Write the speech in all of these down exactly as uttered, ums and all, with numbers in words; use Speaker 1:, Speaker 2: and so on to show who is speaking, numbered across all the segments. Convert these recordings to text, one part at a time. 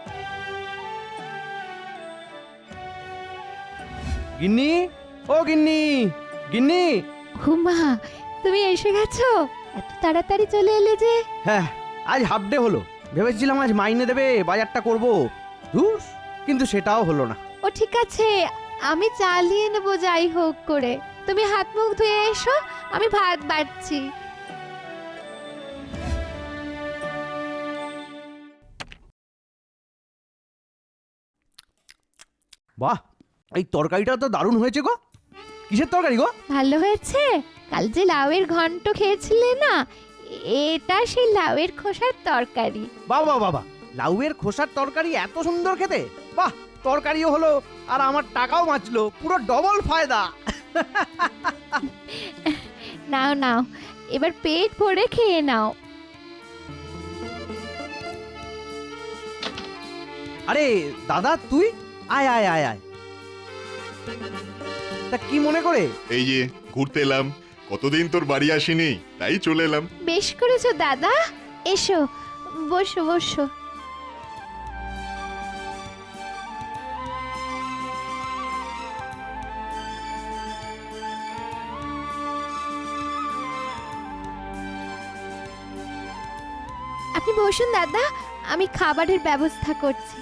Speaker 1: গিন্নি, ও গিন্নি, গিন্নি।
Speaker 2: হুমা, তুমি এসে গেছো? এত তাড়াতাড়ি চলে এলে যে?
Speaker 1: হ্যাঁ, আজ হাফ ডে হলো। ভেবেছিলাম আজ মাইনে দেবে, বাজারটা করব। ধুস, কিন্তু সেটাও হলো না।
Speaker 2: ও ঠিক আছে, আমি চালিয়ে নেবো যাই হোক করে। তুমি হাত মুখ ধুয়ে এসো, আমি ভাত বাড়ছি।
Speaker 1: বাহ, এই তরকারিটা তো দারুণ হয়েছে গো। কিসের তরকারি গো?
Speaker 2: ভালো হয়েছে? কাল যে লাউয়ের ঘন্ট খেয়েছিলে না, এটা সেই লাউয়ের খোসার তরকারি।
Speaker 1: বাবা বাবা, লাউয়ের খোসার তরকারি এত সুন্দর খেতে। বাহ, তরকারিও হলো আর আমার টাকাও বাঁচলো, পুরো ডবল ফায়দা।
Speaker 2: নাও নাও, এবার পেট ভরে খেয়ে নাও।
Speaker 1: আরে দাদা, তুই আয় আয় আয় আয়। তা কি মনে করে?
Speaker 3: এই যে ঘুরতে এলাম, কতদিন তোর বাড়ি আসিনি, তাই চলে এলাম।
Speaker 2: বেশ করেছো দাদা, এসো বসো বসো। আপনি বসুন দাদা, আমি খাবারের ব্যবস্থা করছি।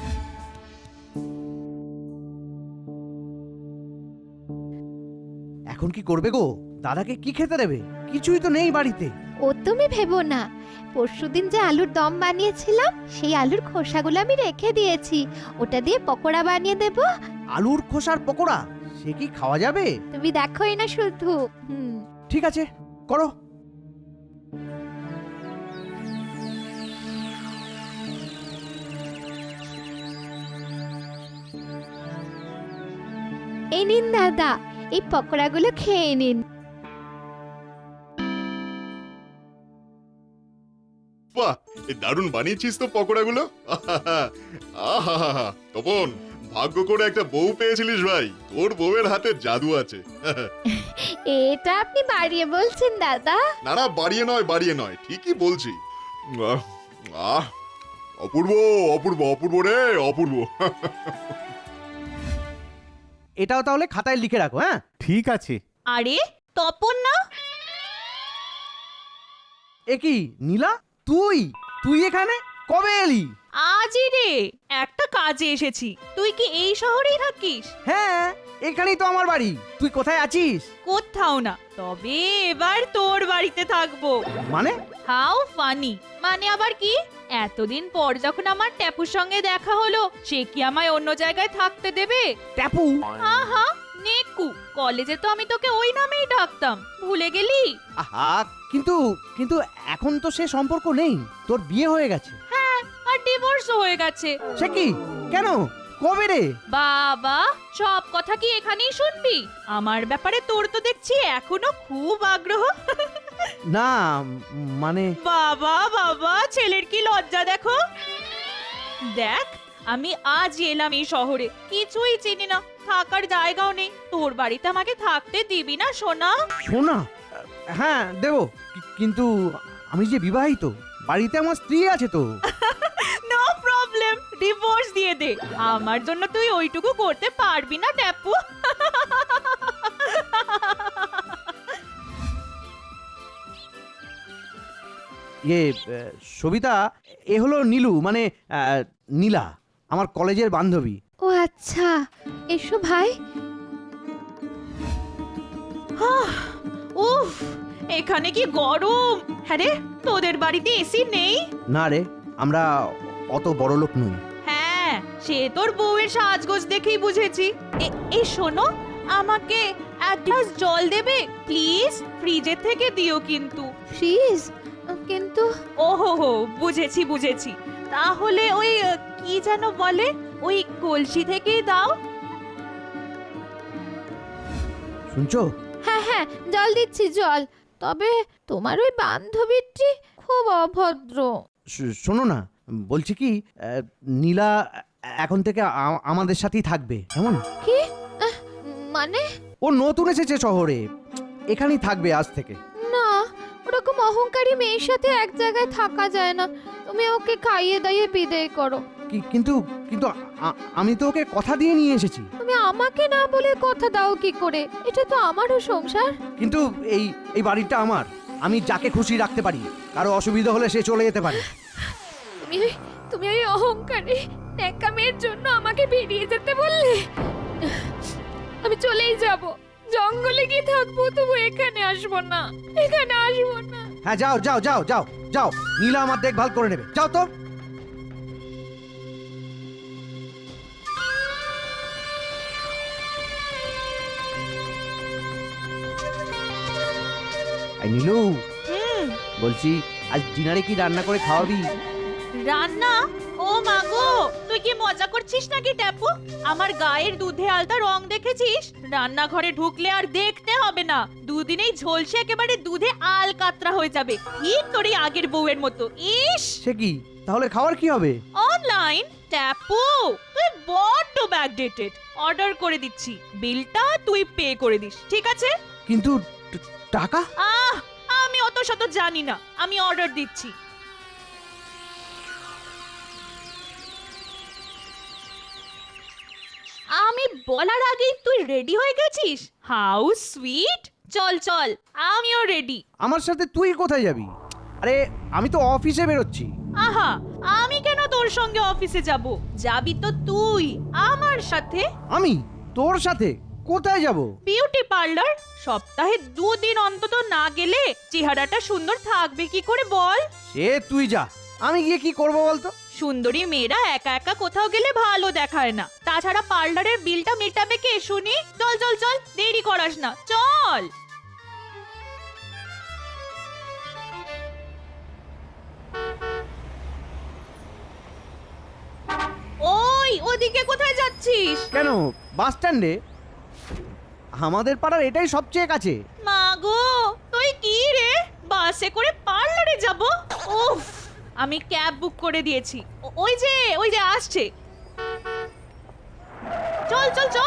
Speaker 1: এখন কি করবে গো? দাদাকে কি খেতে দেবে? কিছুই তো নেই বাড়িতে।
Speaker 2: ও তুমি ভেবো না, পরশুদিন যে আলুর দম বানিয়েছিলাম সেই আলুর খোসাগুলো আমি রেখে দিয়েছি, ওটা দিয়ে পকোড়া বানিয়ে দেব।
Speaker 1: আলুর খোসার পকোড়া? সে কি খাওয়া যাবে?
Speaker 2: তুমি দেখোই না শুধু। হুম,
Speaker 1: ঠিক আছে, করো।
Speaker 2: এই নিন দাদা, এই পকোড়াগুলো খেয়ে নিন।
Speaker 3: বাহ, এই দারুণ বানিয়েছিস তো পকোড়াগুলো। আহা, তপন, ভাগ্য করে একটা বউ পেয়েছিলিস ভাই। তোর বউয়ের হাতে জাদু আছে।
Speaker 2: এটা আপনি বাড়িয়ে বলছেন দাদা?
Speaker 3: না না, বাড়িয়ে নয় বাড়িয়ে নয়, ঠিকই বলছি। আহ, আহ, অপূর্ব অপূর্ব অপূর্ব রে অপূর্ব।
Speaker 1: এটাও তাহলে খাতায় লিখে রাখো। হ্যাঁ,
Speaker 4: ঠিক আছে।
Speaker 5: আরে তপন না?
Speaker 1: এ কি নীলা, তুই তুই এখানে কবে এলি?
Speaker 5: আজই রে, একটা কাজে এসেছি। তুই কি এই শহরেই থাকিস?
Speaker 1: হ্যাঁ, এখানেই তো আমার বাড়ি। তুই কোথায় আছিস?
Speaker 5: কোথাও না, তবে এবার তোর বাড়িতে থাকবো।
Speaker 1: মানে?
Speaker 5: How funny! মানে আবার কি? এতদিন পর যখন আমার ট্যাপুর সঙ্গে দেখা হলো, সে কি আমায় অন্য জায়গায় থাকতে দেবে?
Speaker 1: ট্যাপু?
Speaker 5: আহা, নেকু, কলেজে তো আমি তোকে ওই নামেই ডাকতাম, ভুলে গেলি?
Speaker 1: আহা, কিন্তু কিন্তু এখন তো সে সম্পর্ক নেই। তোর বিয়ে হয়ে গেছে।
Speaker 5: হ্যাঁ, আর ডিভোর্সও হয়ে গেছে।
Speaker 1: সে কি? কেন? কবে রে?
Speaker 5: বাবা, সব কথা কি এখানেই শুনবি? আমার ব্যাপারে তোর তো দেখছি এখনো খুব আগ্রহ।
Speaker 1: না মানে
Speaker 5: বাবা বাবা, ছেলের কি লজ্জা দেখো। দেখ, আমি আজ এলাম এই শহরে, কিছুই চিনি না, থাকার জায়গাও নেই। তোর বাড়িতে আমাকে থাকতে দিবি না সোনা?
Speaker 1: শোনা, হ্যাঁ দেব, কিন্তু আমি যে বিবাহিত, বাড়িতে আমার স্ত্রী আছে তো।
Speaker 5: নো প্রবলেম, ডিভোর্স দিয়ে দে। আমার জন্য তুই ওইটুকু করতে পারবি না ট্যাপু?
Speaker 1: ইয়ে সবিতা, এ হলো নীলু, মানে আহ, নীলা, আমার কলেজের বান্ধবী।
Speaker 2: ও আচ্ছা, এসো ভাই।
Speaker 5: উফ, এখানে কি গরম! হ্যাঁ রে, তোদের বাড়িতে এসি নেই?
Speaker 1: না রে, আমরা অত বড় লোক নই।
Speaker 5: হ্যাঁ, সে তোর বউয়ের সাজগোজ দেখেই বুঝেছি। এ- এই শোনো, আমাকে এক গ্লাস জল দেবে প্লিজ? ফ্রিজের থেকে দিও কিন্তু।
Speaker 2: ফ্রিজ? কিন্তু
Speaker 5: ওহো হো, বুঝেছি বুঝেছি। তাহলে ওই আহ, কি যেন বলে, ওই কলসি থেকেই দাও।
Speaker 1: শুনছো?
Speaker 2: হ্যাঁ হ্যাঁ, জল দিচ্ছি জল। তবে তোমার ওই বান্ধবীটি খুব অভদ্র।
Speaker 1: শ- শোনো না, বলছি কি, আহ, নীলা এখন থেকে আ- আমাদের সাথেই থাকবে, কেমন?
Speaker 2: কি? আহ, মানে?
Speaker 1: ও নতুন এসেছে শহরে, এখানেই থাকবে আজ থেকে।
Speaker 2: না, ওরকম অহংকারী মেয়ের সাথে এক জায়গায় থাকা যায় না। তুমি ওকে খাইয়ে দাইয়ে বিদায় করো।
Speaker 1: কি- কিন্তু কিন্তু আ- আমি তো ওকে কথা দিয়ে নিয়ে এসেছি।
Speaker 2: তুমি আমাকে না বলে কথা দাও কি করে? এটা তো আমারও সংসার।
Speaker 1: কিন্তু এই এই বাড়িটা আমার, আমি যাকে খুশি রাখতে পারি, কারো অসুবিধা হলে সে চলে যেতে পারে।
Speaker 2: তুমি তুমি ওই অহংকারী ন্যাকামের জন্য আমাকে বেরিয়ে যেতে বললে? আমি চলেই যাব, জঙ্গলে গিয়ে থাকবো, তবু এখানে আসবো না, এখানে আসবো না।
Speaker 1: হ্যাঁ যাও যাও যাও যাও যাও, নীলা আমার দেখভাল করে নেবে, যাও তো। এই নীলু,
Speaker 5: হুম
Speaker 1: বলছি আজ ডিনারে কি রান্না করে খাওয়াবি?
Speaker 5: রান্না? ও মাগো, তুই কি মজা করছিস নাকি ট্যাপু? আমার গায়ের দুধে আলতা রং দেখেছিস? রান্নাঘরে ঢুকলে আর দেখতে হবে না, দুদিনেই ঝলসে একেবারে দুধে আল কাতরা হয়ে যাবে, ঠিক তোর এই আগের বউয়ের মতো। ইস,
Speaker 1: সে কি, তাহলে খাওয়ার কি হবে?
Speaker 5: অনলাইন ট্যাপু, তুই বড্ড ব্যাকডেটেড। অর্ডার করে দিচ্ছি, বিলটা তুই পে করে দিস, ঠিক আছে?
Speaker 1: কিন্তু ট- টাকা?
Speaker 5: আহ, আমি অত শত জানি না, আমি অর্ডার দিচ্ছি। আমি বলার আগেই তুই রেডি হয়ে গেছিস? How sweet! চল চল, আমিও রেডি।
Speaker 1: আমার সাথে তুই কোথায় যাবি? আরে আমি তো অফিসে বেরোচ্ছি।
Speaker 5: আহা, আমি কেন তোর সঙ্গে অফিসে যাব? যাবি তো তুই আমার সাথে।
Speaker 1: আমি তোর সাথে কোথায় যাব?
Speaker 5: Beauty parlour. সপ্তাহে দুদিন অন্তত না গেলে চেহারাটা সুন্দর থাকবে কি করে বল?
Speaker 1: সে তুই যা, আমি গিয়ে কি করব বলতো?
Speaker 5: সুন্দরী মেয়েরা একা একা কোথাও গেলে ভালো দেখায় না, তাছাড়া পার্লারের বিলটা মেটাবে কে শুনি? চল চল চল, দেরি করাস না, চল। ওই, ওদিকে কোথায় যাচ্ছিস?
Speaker 1: কেন, বাস স্ট্যান্ডে। আমাদের পাড়ার এটাই সবচেয়ে কাছে।
Speaker 5: মাগো, তুই কি রে, বাসে করে পার্লারে যাব? উফ, আমি ক্যাব বুক করে দিয়েছি, ও- ওই যে ওই যে আসছে। চল চল চল।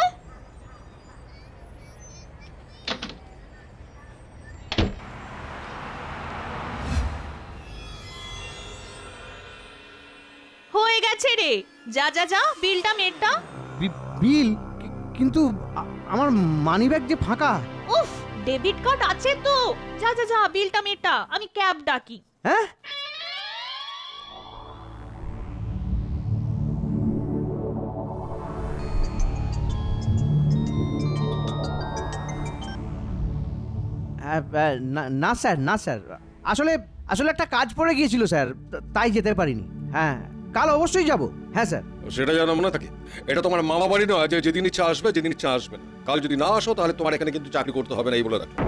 Speaker 5: হয়ে গেছে রে, যা যা যা, বিলটা মেটটা।
Speaker 1: বি- বিল? কি- কিন্তু আ- আমার মানিব্যাগ যে ফাঁকা।
Speaker 5: উফ, ডেবিট কার্ড আছে তো, যা যা যা, বিলটা মেটা, আমি ক্যাব ডাকি।
Speaker 1: হ্যাঁ, আহ, আহ, না- না স্যার, না স্যার, আসলে আসলে একটা কাজ পড়ে গিয়েছিল স্যার, তা- তাই যেতে পারিনি। হ্যাঁ, কাল অবশ্যই যাব। হ্যাঁ স্যার।
Speaker 4: সেটা জানাবো না থাকে, এটা তোমার মামা বাড়ি নয় যে যেদিন ইচ্ছা আসবে যেদিন ইচ্ছা আসবে না। কাল যদি না আসো তাহলে তোমার এখানে কিন্তু চাকরি করতে হবে না, এই বলে রাখো।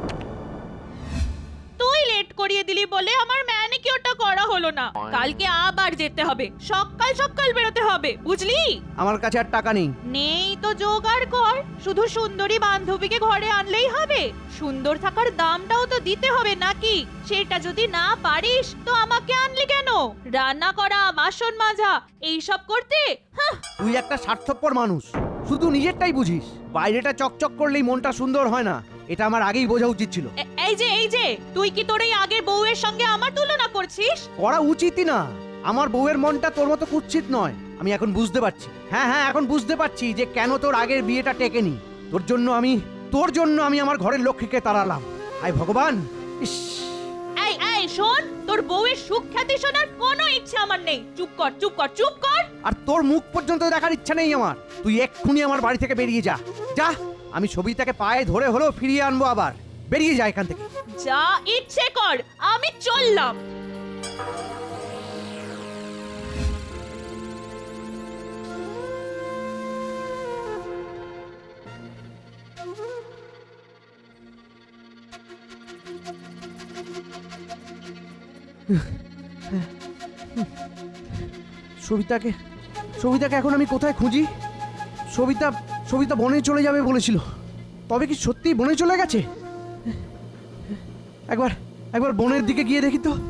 Speaker 5: তুই লেট করিয়ে দিলি বলে আমার ম্যানিকিউরটা করা হলো না, কালকে আবার যেতে হবে, সকাল সকাল বেরোতে হবে, বুঝলি?
Speaker 1: আমার কাছে আর টাকা নেই।
Speaker 5: নেই তো জোগাড় কর, শুধু সুন্দরী বান্ধবীকে ঘরে আনলেই হবে? সুন্দর থাকার দামটাও তো দিতে হবে নাকি? সেটা যদি না পারিস তো আমাকে আনলি কেন? রান্না করা, বাসন মাজা, এইসব করতে? হাহ,
Speaker 1: তুই একটা স্বার্থপর মানুষ, শুধু নিজেরটাই বুঝিস। বাইরেটা চকচক করলেই মনটা সুন্দর হয় না, এটা আমার আগেই বোঝা উচিত ছিল।
Speaker 5: এ- এই যে এই যে, তুই কি তোর এই আগের বউয়ের সঙ্গে আমার তুলনা করছিস?
Speaker 1: করা উচিতই না। আমার বউয়ের মনটা তোর মতো কুৎসিত নয়, আমি এখন বুঝতে পারছি। হ্যাঁ হ্যাঁ, এখন বুঝতে পারছি যে কেন তোর আগের বিয়েটা টেকেনি। তোর জন্য আমি তোর জন্য আমি আমার ঘরের লক্ষ্মীকে তাড়ালাম। আয় ভগবান! ইস,
Speaker 5: এই এই শোন, তোর বউয়ের সুখ্যাতি শোনার কোনো ইচ্ছা আমার নেই। চুপ কর চুপ কর চুপ কর।
Speaker 1: আর তোর মুখ পর্যন্ত দেখার ইচ্ছা নেই আমার। তুই এক্ষুনি আমার বাড়ি থেকে বেরিয়ে যা, যা। আমি সবিতাকে পায়ে ধরে হলেও ফিরিয়ে আনবো আবার। বেরিয়ে যা এখান থেকে।
Speaker 5: যা ইচ্ছে কর, আমি চললাম।
Speaker 1: সবিতাকে সবিতাকে এখন আমি কোথায় খুঁজি? সবিতা সবিতা বনে চলে যাবে বলেছিল, তবে কি সত্যিই বনে চলে গেছে? একবার একবার বনের দিকে গিয়ে দেখি তো।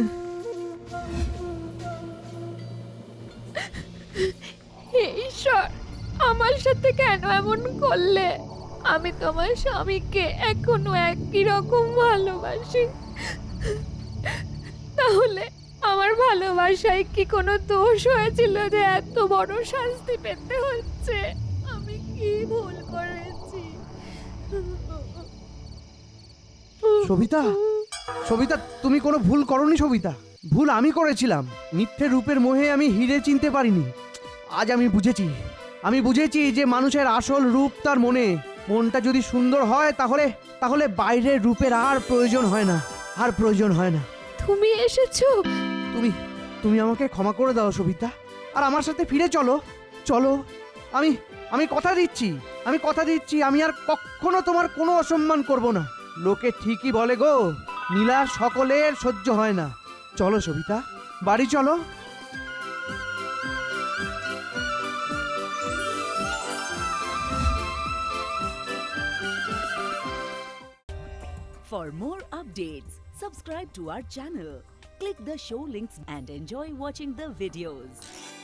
Speaker 2: হে ঈশ্বর, আমার সাথে কেন এমন করলে? আমি তোমার স্বামীকে এখনো একই রকম ভালোবাসি, তাহলে আমার আমার ভালোবাসায় কি কোনো দোষ হয়েছিল যে এত বড় শাস্তি পেতে হচ্ছে? আমি কি ভুল করেছি?
Speaker 1: সবিতা, সবিতা, তুমি কোনো ভুল করনি সবিতা। ভুল আমি করেছিলাম। মিথ্যে রূপের মোহে আমি হিরে চিনতে পারিনি। আজ আমি বুঝেছি, আমি বুঝেছি যে মানুষের আসল রূপ তার মনে। মনটা যদি সুন্দর হয় তাহলে তাহলে বাইরের রূপের আর প্রয়োজন হয় না, আর প্রয়োজন হয় না।
Speaker 2: তুমি এসেছো?
Speaker 1: তুমি তুমি আমাকে ক্ষমা করে দাও সবিতা, আর আমার সাথে ফিরে চলো। চলো, আমি আমি কথা দিচ্ছি, আমি কথা দিচ্ছি আমি আর কখনো তোমার কোনো অসম্মান করব না। লোকে ঠিকই বলে গো, নীলা সকলের সহ্য হয় না। চলো সবিতা, বাড়ি চলো।
Speaker 6: For more updates, subscribe to our channel, click the show links and enjoy watching the videos.